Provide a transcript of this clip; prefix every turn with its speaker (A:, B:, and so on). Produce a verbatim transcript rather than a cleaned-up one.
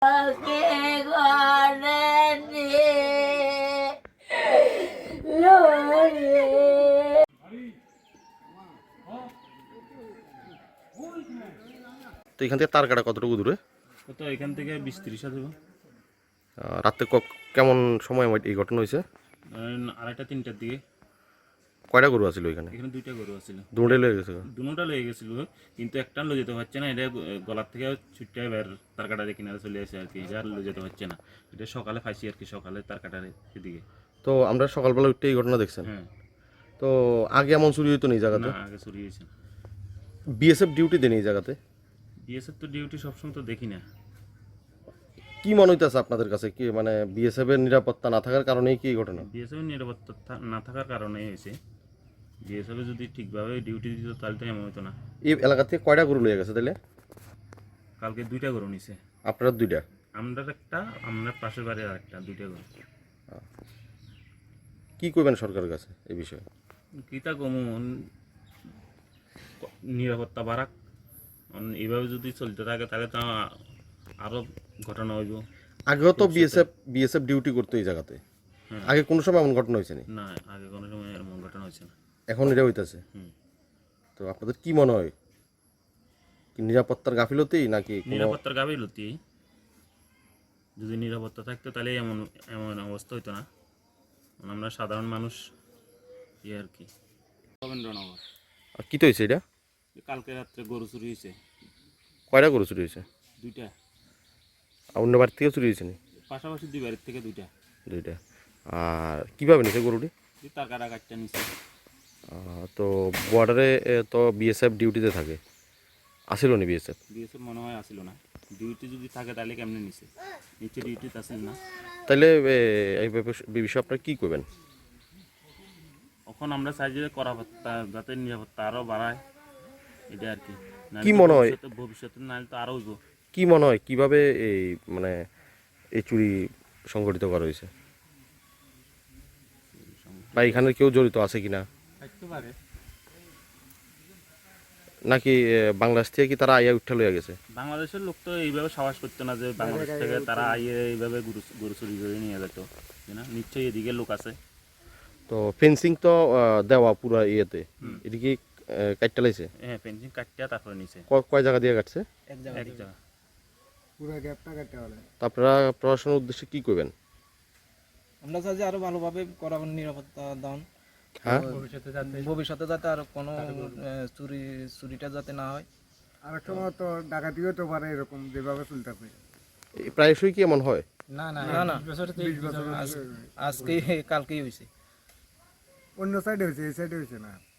A: তো এখান থেকে তার কাটা কতটুকু দূরে?
B: কত এখান থেকে বিশ ত্রিশ হাজার।
A: রাতে কেমন সময় এই ঘটনা হয়েছে?
B: আড়াইটা তিনটার দিকে।
A: কয়টা গরু আছিল এখানে?
B: এখানে দুইটা গরু আছিল।
A: দুটোই লয়ে গেছে?
B: দুটোটা লয়ে গেছিল, কিন্তু একটা লয়ে যেতে পারছে না। এটা গলার থেকে ছুটতে এবার তার কাটার কিনারে চলে আসে আর কি। এটা লয়ে যেতে পারছে না। এটা সকালে পাইছি আর কি, সকালে তার কাটার এদিকে।
A: তো আমরা সকালবেলা উঠতে এই ঘটনা দেখছেন?
B: হ্যাঁ।
A: তো আগে এমন চুরি হইতো না এই জায়গাতে?
B: না, আগে চুরি হয়েছে।
A: বিএসএফ ডিউটি দেন এই জায়গাতে?
B: বিএসএফ তো ডিউটি সবসময় তো দেখি না।
A: কি মনে হইতেছে আপনাদের কাছে, কি মানে বিএসএফ এর নিরাপত্তা না থাকার কারণেই কি এই ঘটনা?
B: বিএসএফ এর নিরাপত্তা না থাকার কারণেই হয়েছে। বিএসএফ যদি ঠিকভাবে ডিউটি দিত তাহলে তো এমন হতো না।
A: এই এলাকা থেকে কয়টা গরু লয়ে গেছে তাহলে?
B: কালকে দুইটা গরু নিছে।
A: আপনারা দুইটা?
B: আমরা একটা, আমরা পাশের বাড়ির আর একটা, দুইটা গরু।
A: কি করবেন সরকারের কাছে এই বিষয়ে?
B: কিতা কমন নিরাপত্তা বাড়াক। এইভাবে যদি চলতে থাকে তাহলে তো আরো ঘটনা হইব।
A: আগেও তো বিএসএফ বিএসএফ ডিউটি করতো এই জায়গাতে, আগে কোনো সময় এমন ঘটনা হয়েছে
B: না? আগে কোনো সময় এমন ঘটনা হয়েছে না।
A: এখন এটা হইতেছে। তো আপনাদের কি মনে হয়, কি নিরাপত্তার গাফিলতি নাকি?
B: নিরাপত্তার গাফিলতি। যদি নিরাপত্তা থাকতো তাহলে এমন এমন অবস্থা হইতো না। আমরা সাধারণ মানুষ ইয়ে আর কি। রবীন্দ্রনগর।
A: আর কি তো হয়েছে এটা?
B: কালকে রাত্রে গরু চুরি হয়েছে।
A: কয়টা গরু চুরি হয়েছে?
B: দুইটা।
A: আর অন্য বাড়ির থেকে চুরি হয়েছে?
B: পাশাপাশি দুই বাড়ির থেকে দুইটা।
A: দুইটা। আর কীভাবে নিছে গরুটি?
B: তার কাটা কাটটা নিছে।
A: তো বর্ডারে তো বিএসএফ ডিউটিতে থাকে, আসিল নি বিএসএফ?
B: বিএসএফ মনে হয় আসিল না। ডিউটি যদি থাকে তাহলে কেমনে নিছে? নিচে ডিউটিতে আসিল না।
A: তাহলে এই বিষয়ে আপনারা কী করবেন?
B: এখন আমরা চাই যে করাপত্তা যাতে নিরাপত্তা আরও বাড়ায়, এটা আর কি।
A: কি মনে হয়
B: ভবিষ্যতে নাহলে তো আরও হইব।
A: কি মনে হয় কীভাবে এই মানে এই চুরি সংগঠিত করা হয়েছে, বা এখানে কেউ জড়িত আছে কিনা? নাকি বাংলাদেশ থেকে কি তারা আইয়া উঠা লইয়া গেছে?
B: বাংলাদেশের লোক তো এইভাবে সাহস করতো না যে বাংলাদেশ থেকে তারা আইয়ে এইভাবে গরু গরু চুরি করে নিয়ে যেত না। নিশ্চয়ই এদিকে লোক আছে।
A: তো ফেন্সিং তো দেওয়া পুরো ইয়েতে, এদিকে কাটটা লাইছে?
B: হ্যাঁ, ফেন্সিং কাটটা তারপরে নিছে।
A: কয় জায়গা দিয়ে কাটছে?
B: এক জায়গা, এক জায়গা
C: পুরো গ্যাপটা কাটতে হবে।
A: আপনারা প্রশাসনের উদ্দেশ্যে কি করবেন?
D: আমরা চাই যে আরো ভালোভাবে করা নিরাপত্তা দান।
A: হ্যাঁ,
D: ভবিষ্যতে যাতে আর কোনো চুরি চুরিটা যাতে না হয়।
C: আর একটা তো ডাকাতিও তো পারে এরকম যেভাবে চলতেছে।
A: প্রায়শই কি এমন হয়?
D: না না না, আজকে কালকেই হয়েছে।
C: অন্য সাইডে হয়েছে, এই সাইডে হয়েছে না।